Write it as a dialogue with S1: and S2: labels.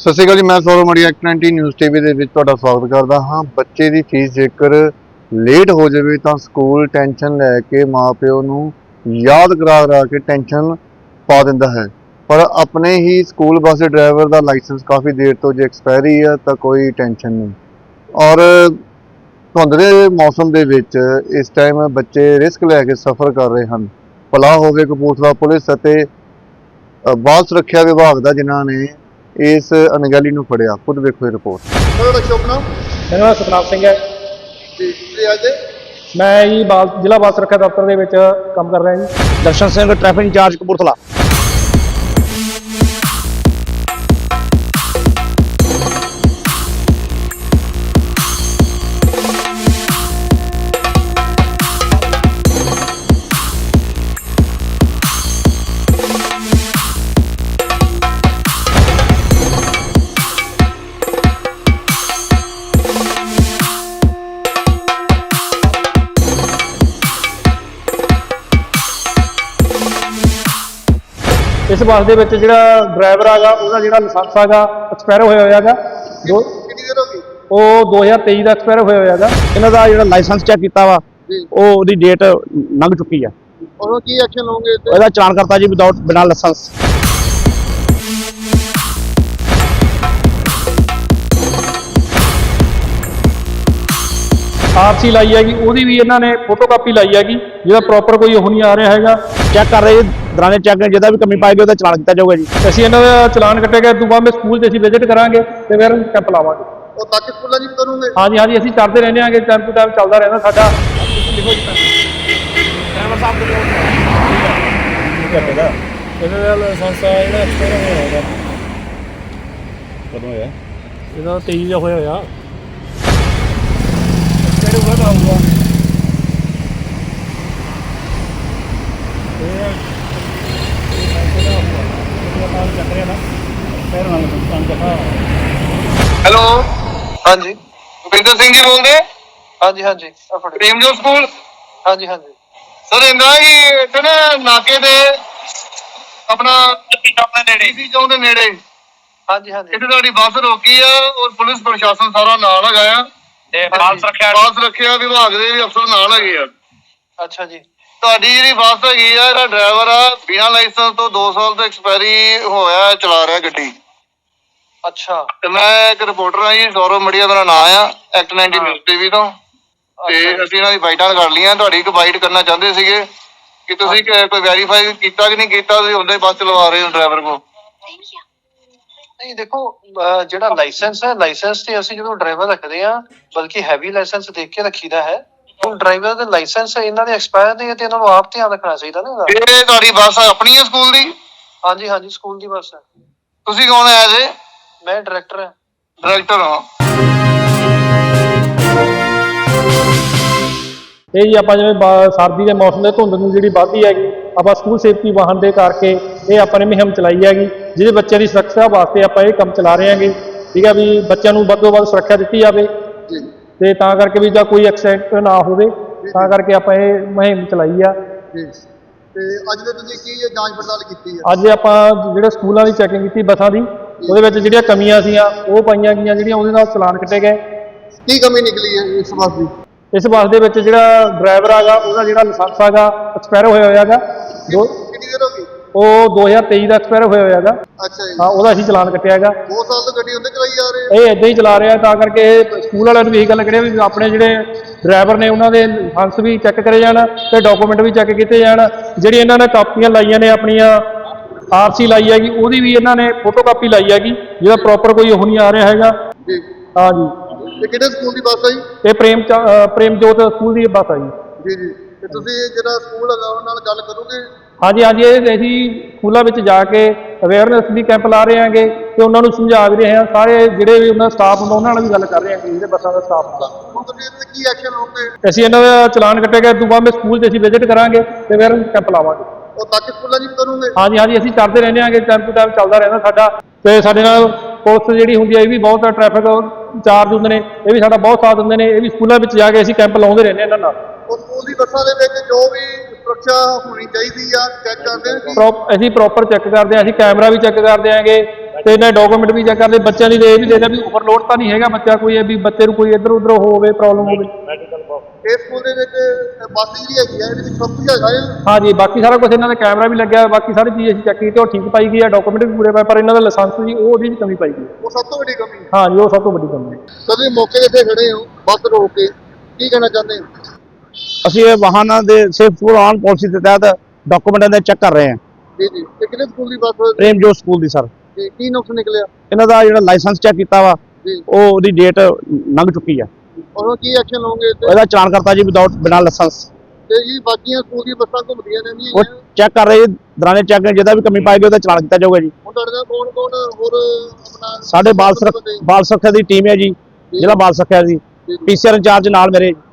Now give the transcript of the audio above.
S1: ਸਤਿ ਸ਼੍ਰੀ ਅਕਾਲ ਜੀ, मैं सौरभ मड़ी एक्ट 90 न्यूज़ टीवी ਦੇ ਵਿੱਚ ਤੁਹਾਡਾ ਸਵਾਗਤ ਕਰਦਾ ਹਾਂ। ਬੱਚੇ ਦੀ ਫੀਸ ਜੇਕਰ ਲੇਟ ਹੋ ਜਾਵੇ ਤਾਂ ਸਕੂਲ ਟੈਨਸ਼ਨ ਲੈ ਕੇ ਮਾਪਿਓ ਨੂੰ ਯਾਦ ਕਰਾ ਕੇ ਟੈਨਸ਼ਨ ਪਾ ਦਿੰਦਾ ਹੈ, ਪਰ ਆਪਣੇ ਹੀ ਸਕੂਲ ਬੱਸ ਦੇ ਡਰਾਈਵਰ ਦਾ ਲਾਇਸੈਂਸ ਕਾਫੀ ਦੇਰ ਤੋਂ ਜੇ ਐਕਸਪਾਇਰੀ ਹੈ ਤਾਂ ਕੋਈ ਟੈਨਸ਼ਨ ਨਹੀਂ। ਔਰ ਧੁੰਦ ਦੇ ਮੌਸਮ ਦੇ ਵਿੱਚ ਇਸ ਟਾਈਮ ਬੱਚੇ ਰਿਸਕ ਲੈ ਕੇ ਸਫ਼ਰ ਕਰ ਰਹੇ ਹਨ। ਭਲਾ ਹੋਵੇ ਕਪੂਰਥਲਾ ਪੁਲਿਸ ਅਤੇ ਬਾਲ ਸੁਰੱਖਿਆ ਵਿਭਾਗ ਦਾ ਜਿਨ੍ਹਾਂ ਨੇ ਇਸ ਅਣਗਹਿਲੀ ਨੂੰ ਫੜਿਆ। ਖੁਦ ਵੇਖੋ ਇਹ ਰਿਪੋਰਟ।
S2: ਤੁਹਾਡਾ ਸ਼ੁਭ ਨਾਮ?
S3: ਮੇਰਾ ਨਾਮ ਸਤਨਾਮ ਸਿੰਘ ਹੈ
S2: ਜੀ ਤੇ ਅੱਜ
S3: ਮੈਂ ਜੀ ਜ਼ਿਲ੍ਹਾ ਬਾਲ ਸੁਰੱਖਿਆ ਦਫ਼ਤਰ ਦੇ ਵਿੱਚ ਕੰਮ ਕਰ ਰਿਹਾ ਜੀ।
S4: Darshan Singh traffic incharge Kapurthala.
S3: ਇਸ ਬੱਸ ਦੇ ਵਿੱਚ ਜਿਹੜਾ ਡਰਾਈਵਰ ਹੈਗਾ ਉਹਦਾ ਜਿਹੜਾ ਲਾਇਸੈਂਸ ਹੈਗਾ ਐਕਸਪਾਇਰ ਹੋਇਆ ਹੈਗਾ।
S2: ਕਿੰਨੀ ਦੇਰ ਹੋ ਗਈ?
S3: ਉਹ 2023 ਦਾ ਐਕਸਪਾਇਰ ਹੋਇਆ ਹੈਗਾ।
S4: ਇਹਨਾਂ ਦਾ ਜਿਹੜਾ ਲਾਇਸੈਂਸ ਚੈੱਕ ਕੀਤਾ ਵਾ ਉਹ ਉਹਦੀ ਡੇਟ ਲੰਘ ਚੁੱਕੀ ਆ।
S2: ਉਹਨੂੰ ਕੀ ਐਕਸ਼ਨ ਲਓਗੇ?
S4: ਉਹਦਾ ਚਲਾਨ ਕਰਤਾ ਜੀ ਬਿਨਾਂ ਲਾਇਸੈਂਸ।
S3: ਆਰਸੀ ਲਾਈ ਹੈਗੀ, ਉਹਦੀ ਵੀ ਇਹਨਾਂ ਨੇ ਫੋਟੋਕਾਪੀ ਲਾਈ ਹੈਗੀ, ਜਿਹਦਾ ਪ੍ਰੋਪਰ ਕੋਈ ਉਹ ਨਹੀਂ ਆ ਰਿਹਾ ਹੈਗਾ।
S4: ਚੈੱਕ ਕਰ ਰਹੇ ਦੌਰਾਨੇ ਚੈੱਕ ਜਿਹਦਾ ਵੀ ਕਮੀ ਪਾਏਗੀ ਉਹਦਾ ਚਲਾਨ ਕੀਤਾ ਜਾਊਗਾ ਜੀ।
S3: ਅਸੀਂ ਇਹਨਾਂ ਦਾ ਚਲਾਨ ਕੱਟੇਗਾ। ਤੋਂ ਬਾਅਦ ਮੈਂ ਸਕੂਲ 'ਚ ਅਸੀਂ ਵਿਜ਼ਿਟ ਕਰਾਂਗੇ ਤੇ ਫਿਰ ਕੈਂਪ ਲਾਵਾਂਗੇ।
S2: ਉਹ ਬਾਕੀ ਸਕੂਲਾਂ ਜੀ ਕਰੋਗੇ?
S3: ਹਾਂਜੀ ਹਾਂਜੀ, ਅਸੀਂ ਕਰਦੇ ਰਹਿੰਦੇ ਆਂਗੇ, ਟਾਈਮ ਟੂ ਟਾਈਮ ਚੱਲਦਾ ਰਹਿੰਦਾ ਸਾਡਾ।
S4: ਡਰਾਈਵਰ ਸਾਹਿਬ ਦੇ
S3: ਇਹਦਾ ਲਾਇਸੈਂਸ ਜਿਹੜਾ ਐਕਸਪਾਇਰ ਹੋਇਆ ਹੈਗਾ।
S4: ਕਦੋਂ ਹੋਇਆ?
S3: ਇਹਦਾ 23 ਦਾ ਹੋਇਆ ਹੋਇਆ।
S2: ਹੈਲੋ, ਹਾਂਜੀ ਭੁਪਿੰਦਰ ਸਿੰਘ ਜੀ ਬੋਲਦੇ? ਹਾਂਜੀ ਹਾਂਜੀ, ਪ੍ਰੇਮਜੋਤ ਸਕੂਲ। ਹਾਂਜੀ ਹਾਂਜੀ ਸਰ, ਇੰਦਾ ਹੀ ਇੱਥੇ ਨਾ ਨਾਕੇ ਦੇ ਆਪਣੇ ਨੇੜੇ ਸੀ ਚੌਂਕ ਦੇ ਨੇੜੇ। ਹਾਂਜੀ ਹਾਂਜੀ, ਇੱਥੇ ਤੁਹਾਡੀ ਬੱਸ ਰੋਕੀ ਆ ਔਰ ਪੁਲਿਸ ਪ੍ਰਸ਼ਾਸਨ ਸਾਰਾ ਨਾਲ ਹੈਗਾ ਆ ਤੇ ਬਾਲ ਸੁਰੱਖਿਆ ਵਿਭਾਗ ਦੇ ਵੀ ਅਫਸਰ ਨਾਲ ਹੈਗੇ ਆ। ਅੱਛਾ ਜੀ, ਤੁਹਾਡੀ ਜਿਹੜੀ ਬੱਸ ਹੈਗੀ ਆ, ਇਹਦਾ ਡਰਾਈਵਰ ਆ ਬਿਨਾਂ ਲਾਇਸੈਂਸ ਤੋਂ 2 ਸਾਲ ਤੋਂ ਐਕਸਪਾਇਰੀ ਹੋਇਆ ਚਲਾ ਰਿਹਾ ਗੱਡੀ। ਅੱਛਾ, ਤੇ ਮੈਂ ਇੱਕ ਰਿਪੋਰਟਰ ਆ ਜੀ, ਸੌਰਵ ਮੜੀਆ ਮੇਰਾ ਨਾਮ ਆ, ਐਕਟ 90 ਨਿਊਜ਼ ਟੀਵੀ ਤੋਂ। ਤੇ ਅਸੀਂ ਇਹਨਾਂ ਦੀ ਬਾਈਟਾਂ ਕਰ ਲਈਆਂ। ਤੁਹਾਡੀ ਇੱਕ ਬਾਈਟ ਕਰਨਾ ਚਾਹੁੰਦੇ ਸੀਗੇ ਕਿ ਤੁਸੀਂ ਕੋਈ ਵੈਰੀਫਾਈ ਕੀਤਾ ਕਿ ਨਹੀਂ ਕੀਤਾ, ਤੁਸੀਂ ਉਹਦੇ ਬੱਸ ਚਲਵਾ ਰਹੇ ਹੋ ਡਰਾਈਵਰ ਕੋਲ।
S5: ਨਹੀਂ ਦੇਖੋ, ਜਿਹੜਾ ਲਾਇਸੈਂਸ ਹੈ, ਲਾਇਸੈਂਸ ਤੇ ਅਸੀਂ ਜਦੋਂ ਡਰਾਈਵਰ ਰੱਖਦੇ ਆ ਬਲਕਿ ਹੈਵੀ ਲਾਇਸੈਂਸ ਦੇਖ ਕੇ ਰੱਖੀਦਾ ਹੈ। ਹੁਣ ਡਰਾਈਵਰ ਦੇ ਲਾਇਸੈਂਸ ਇਹਨਾਂ ਦੇ ਐਕਸਪਾਇਰ ਨੇ ਤੇ ਇਹਨਾਂ ਨੂੰ ਆਪ ਧਿਆਨ ਰੱਖਣਾ ਚਾਹੀਦਾ ਨਾ।
S2: ਇਹ ਤੁਹਾਡੀ ਬੱਸ ਆਪਣੀ ਹੈ ਸਕੂਲ ਦੀ?
S5: ਹਾਂਜੀ ਹਾਂਜੀ, ਸਕੂਲ ਦੀ ਬੱਸ ਹੈ।
S2: ਤੁਸੀਂ ਕੌਣ ਹੈ ਜੀ?
S5: ਮੈਂ ਡਾਇਰੈਕਟਰ ਹਾਂ।
S2: ਡਾਇਰੈਕਟਰ ਹਾਂ।
S3: ਇਹ ਜੀ ਆਪਾਂ ਜਿਵੇਂ ਸਰਦੀ ਦੇ ਮੌਸਮ ਦੇ ਧੁੰਦ ਨੂੰ ਜਿਹੜੀ ਵੱਧਦੀ ਹੈਗੀ, ਆਪਾਂ ਸਕੂਲ ਸੇਫਟੀ ਵਾਹਨ ਦੇ ਕਰਕੇ ਇਹ ਆਪਾਂ ਨੇ ਮੁਹਿੰਮ ਚਲਾਈ ਹੈਗੀ, ਜਿਹਦੇ ਬੱਚਿਆਂ ਦੀ ਸੁਰੱਖਿਆ ਵਾਸਤੇ ਆਪਾਂ ਇਹ ਕੰਮ ਚਲਾ ਰਹੇ ਹਾਂਗੇ। ਠੀਕ ਹੈ ਵੀ ਬੱਚਿਆਂ ਨੂੰ ਵੱਧ ਤੋਂ ਵੱਧ ਸੁਰੱਖਿਆ ਦਿੱਤੀ ਜਾਵੇ ਤੇ ਤਾਂ ਕਰਕੇ ਵੀ ਜਾਂ ਕੋਈ ਐਕਸੀਡੈਂਟ ਨਾ ਹੋਵੇ, ਤਾਂ ਕਰਕੇ ਆਪਾਂ ਇਹ ਮੁਹਿੰਮ ਚਲਾਈ ਆ।
S2: ਤੇ ਅੱਜ ਦੇ ਤੁਸੀਂ ਕੀ ਜਾਂਚ ਪੜਤਾਲ ਕੀਤੀ ਹੈ?
S3: ਅੱਜ ਆਪਾਂ ਜਿਹੜੇ ਸਕੂਲਾਂ ਦੀ ਚੈਕਿੰਗ ਕੀਤੀ ਬੱਸਾਂ ਦੀ, ਉਹਦੇ ਵਿੱਚ ਜਿਹੜੀਆਂ ਕਮੀਆਂ ਸੀਆਂ ਉਹ ਪਾਈਆਂ ਗਈਆਂ, ਜਿਹੜੀਆਂ ਉਹਦੇ ਨਾਲ ਚਲਾਨ ਕੱਟੇ ਗਏ।
S2: ਕੀ ਕਮੀ ਨਿਕਲੀ ਹੈ ਇਸ ਬੱਸ ਦੀ?
S3: ਇਸ ਬੱਸ ਦੇ ਵਿੱਚ ਜਿਹੜਾ ਡਰਾਈਵਰ ਹੈਗਾ ਉਹਦਾ ਜਿਹੜਾ ਲਾਇਸੈਂਸ ਹੈਗਾ ਐਕਸਪਾਇਰ ਹੋਇਆ ਹੋਇਆ ਹੈਗਾ।
S2: ਕਿੰਨੀ ਦੇਰ ਹੋ ਗਈ?
S3: ਉਹ 2023 ਦਾ ਐਕਸਪਾਇਰ ਹੋਇਆ ਹੋਇਆ ਹੈਗਾ।
S2: ਅੱਛਾ ਜੀ,
S3: ਹਾਂ, ਉਹਦਾ ਅਸੀਂ ਚਲਾਨ ਕੱਟਿਆ ਹੈਗਾ।
S2: 2 ਸਾਲ ਤੋਂ ਗੱਡੀ ਹੁੰਦੇ ਚਲਾਈ ਜਾ ਰਹੇ
S3: ਇਹ ਇੱਦਾਂ ਹੀ ਚਲਾ ਰਿਹਾ, ਤਾਂ ਕਰਕੇ ਇਹ ਸਕੂਲ ਵਾਲਿਆਂ ਨੂੰ ਵੀ ਇਹੀ ਗੱਲ ਕਰਿਆ ਵੀ ਆਪਣੇ ਜਿਹੜੇ ਡਰਾਈਵਰ ਨੇ ਉਹਨਾਂ ਦੇ ਲਾਇਸੈਂਸ ਵੀ ਚੈੱਕ ਕਰੇ ਜਾਣ ਤੇ ਡਾਕੂਮੈਂਟ ਵੀ ਚੈੱਕ ਕੀਤੇ ਜਾਣ। ਜਿਹੜੀ ਇਹਨਾਂ ਨੇ ਕਾਪੀਆਂ ਲਾਈਆਂ ਨੇ ਆਪਣੀਆਂ, ਆਰਸੀ ਲਾਈ ਹੈਗੀ, ਉਹਦੀ ਵੀ ਇਹਨਾਂ ਨੇ ਫੋਟੋਕਾਪੀ ਲਾਈ ਹੈਗੀ, ਜਿਹਦਾ ਪ੍ਰੋਪਰ ਕੋਈ ਉਹ ਨਹੀਂ ਆ ਰਿਹਾ ਹੈਗਾ।
S2: ਜੀ।
S3: ਹਾਂ ਜੀ,
S2: ਤੇ ਕਿਹੜੇ ਸਕੂਲ ਦੀ ਬੱਸ ਹੈ ਜੀ?
S3: ਇਹ ਪ੍ਰੇਮਜੋਤ ਸਕੂਲ ਦੀ ਬੱਸ ਆ ਜੀ।
S2: ਜੀ ਜੀ, ਤੇ ਤੁਸੀਂ ਜਿਹੜਾ ਸਕੂਲ ਹੈਗਾ ਉਹਨਾਂ ਨਾਲ ਗੱਲ ਕਰੋਗੇ?
S3: ਹਾਂਜੀ ਹਾਂਜੀ, ਇਹ ਅਸੀਂ ਸਕੂਲਾਂ ਵਿੱਚ ਜਾ ਕੇ ਅਵੇਅਰਨੈਸ ਵੀ ਕੈਂਪ ਲਾ ਰਹੇ ਹਾਂਗੇ ਤੇ ਉਹਨਾਂ ਨੂੰ ਸਮਝਾ ਵੀ ਰਹੇ ਹਾਂ। ਸਾਰੇ ਜਿਹੜੇ ਵੀ ਉਹਨਾਂ ਦਾ ਸਟਾਫ ਹੁੰਦਾ ਉਹਨਾਂ ਨਾਲ ਵੀ ਗੱਲ ਕਰ ਰਹੇ ਹਾਂ, ਜਿਹੜੇ ਬੱਸਾਂ ਦਾ ਸਟਾਫ ਹੁੰਦਾ।
S2: ਹੁਣ ਤੁਸੀਂ ਇਹਦੇ ਕੀ ਐਕਸ਼ਨ ਲਓਗੇ?
S3: ਅਸੀਂ ਇਹਨਾਂ ਦਾ ਚਲਾਨ ਕੱਟੇਗਾ। ਤੋਂ ਬਾਅਦ ਮੈਂ ਸਕੂਲ 'ਚ ਅਸੀਂ ਵਿਜ਼ਿਟ ਕਰਾਂਗੇ ਤੇ ਫਿਰ ਕੈਂਪ ਲਾਵਾਂਗੇ।
S2: ਉਹ ਬਾਕੀ ਸਕੂਲਾਂ ਜੀ ਕਰੋਗੇ?
S3: ਹਾਂਜੀ ਹਾਂਜੀ, ਅਸੀਂ ਕਰਦੇ ਰਹਿੰਦੇ ਆਂਗੇ, ਟਾਈਮ ਟੂ ਟਾਈਮ ਚੱਲਦਾ ਰਹਿੰਦਾ ਸਾਡਾ। ਤੇ ਸਾਡੇ ਨਾਲ ਪੁਲਿਸ ਜਿਹੜੀ ਹੁੰਦੀ ਹੈ ਇਹ ਵੀ ਬਹੁਤ ਟ੍ਰੈਫਿਕ ਇੰਚਾਰਜ ਹੁੰਦੇ ਨੇ, ਇਹ ਵੀ ਸਾਡਾ ਬਹੁਤ ਸਾਥ ਦਿੰਦੇ ਨੇ। ਇਹ ਵੀ ਸਕੂਲਾਂ ਵਿੱਚ ਜਾ ਕੇ ਅਸੀਂ ਕੈਂਪ ਲਾਉਂਦੇ ਰਹਿੰਦੇ ਇਹਨਾਂ ਨਾਲ।
S2: ਉਹ ਸਕੂਲ ਦੀ ਬੱਸਾਂ ਦੇ ਵਿੱਚ ਜੋ ਵੀ ਸੁਰੱਖਿਆ ਹੋਣੀ ਚਾਹੀਦੀ ਆ ਚੈੱਕ ਕਰਦੇ ਹਾਂ?
S3: ਅਸੀਂ ਪ੍ਰੋਪਰ ਚੈੱਕ ਕਰਦੇ ਹਾਂ। ਅਸੀਂ ਕੈਮਰਾ ਵੀ ਚੈੱਕ ਕਰਦੇ ਆਂਗੇ, ਤੇ ਇਹਨਾਂ ਡਾਕੂਮੈਂਟ ਵੀ ਚੈੱਕ ਕਰਦੇ, ਬੱਚਿਆਂ ਦੀ ਇਹ ਵੀ ਦੇਖਦੇ ਵੀ ਓਵਰਲੋਡ ਤਾਂ ਨਹੀਂ ਹੈਗਾ ਬੱਚਾ, ਕੋਈ ਵੀ ਬੱਚੇ ਨੂੰ ਕੋਈ ਇੱਧਰ ਉੱਧਰ ਹੋਵੇ, ਪ੍ਰੋਬਲਮ ਹੋਵੇ।
S2: ਇਸ ਸਕੂਲ ਦੇ ਵਿੱਚ ਬੱਸ ਜਿਹੜੀ ਹੈਗੀ ਆ, ਇਹਦੇ ਵਿੱਚ ਸਭ ਕੁਝ ਹੈਗਾ ਆ।
S3: ਹਾਂਜੀ, ਬਾਕੀ ਸਾਰਾ ਕੁਝ ਇਹਨਾਂ ਦਾ ਕੈਮਰਾ ਵੀ ਲੱਗਿਆ, ਬਾਕੀ ਸਾਰੀ ਚੀਜ਼ ਅਸੀਂ ਚੈੱਕ ਕੀਤੀ, ਉਹ ਠੀਕ ਪਾਈ ਗਈ ਹੈ, ਡਾਕੂਮੈਂਟ ਵੀ ਪੂਰੇ ਪਏ, ਪਰ ਇਹਨਾਂ ਦਾ ਲਾਇਸੈਂਸ ਜੀ ਉਹਦੀ ਵੀ ਕਮੀ ਪਾਈ ਗਈ ਹੈ।
S2: ਉਹ ਸਭ ਤੋਂ ਵੱਡੀ ਕਮੀ ਹੈ।
S3: ਹਾਂਜੀ, ਉਹ ਸਭ ਤੋਂ ਵੱਡੀ ਕਮੀ ਹੈ।
S2: ਸਰ ਤੁਸੀਂ ਮੌਕੇ ਦੇ ਇੱਥੇ ਖੜੇ ਹੋ ਬੱਸ ਰੋਕ ਕੇ, ਕੀ ਕਹਿਣਾ ਚਾਹੁੰਦੇ ਹੋ?
S4: ਅਸੀਂ ਇਹ ਵਾਹਨਾਂ ਦੇ ਸੇਫ ਸਕੂਲ ਆਨ ਪਾਲਿਸੀ ਦੇ ਤਹਿਤ ਡਾਕੂਮੈਂਟਾਂ ਦੇ ਚੈੱਕ ਕਰ ਰਹੇ ਹਾਂ।
S2: ਜੀ ਜੀ, ਤੇ ਕਿਹੜੇ ਸਕੂਲ ਦੀ ਬੱਸ
S4: ਪ੍ਰੇਮ ਜੋਤ ਸਕੂਲ ਦੀ ਸਰ।
S2: ਜੀ, ਕੀ ਨੁਕਸ ਨਿਕਲਿਆ?
S4: ਇਹਨਾਂ ਦਾ ਜਿਹੜਾ ਲਾਇਸੈਂਸ ਚੈੱਕ ਕੀਤਾ ਵਾ,
S2: ਜੀ,
S4: ਉਹਦੀ ਡੇਟ ਲੰਘ ਚੁੱਕੀ ਆ।
S2: ਉਹਨੂੰ ਕੀ ਐਕਸ਼ਨ ਲਓਗੇ ਤੇ?
S4: ਇਹਦਾ ਚਲਾਨ ਕਰਤਾ ਜੀ ਬਿਨਾਂ ਲਾਇਸੈਂਸ।
S2: ਤੇ ਜੀ ਬਾਕੀਆਂ ਸਕੂਲ ਦੀਆਂ ਬੱਸਾਂ ਘੁੰਮਦੀਆਂ ਰਹਿੰਦੀਆਂ
S4: ਉਹ
S2: ਹੈਗੀਆਂ।
S4: ਚੈੱਕ ਕਰ ਰਹੇ ਜੀ, ਦੌਰਾਨੇ ਚੈੱਕ ਜਿਹਦਾ ਵੀ ਕਮੀ ਪਾਏਗੀ ਉਹਦਾ ਚਲਾਨ ਕੀਤਾ ਜਾਊਗਾ ਜੀ।
S2: ਹੁਣ ਤੁਹਾਡੇ ਨਾਲ ਕੌਣ ਕੌਣ ਹੋਰ ਆਪਣਾ
S4: ਸਾਡੇ ਬਾਲ ਸੁਰੱਖਿਆ ਦੀ ਟੀਮ ਹੈ ਜੀ, ਜ਼ਿਲ੍ਹਾ ਬਾਲ ਸੁਰੱਖਿਆ ਦੀ, ਪੀਸੀਆਰ ਇੰਚਾਰਜ ਨਾਲ ਮੇਰੇ।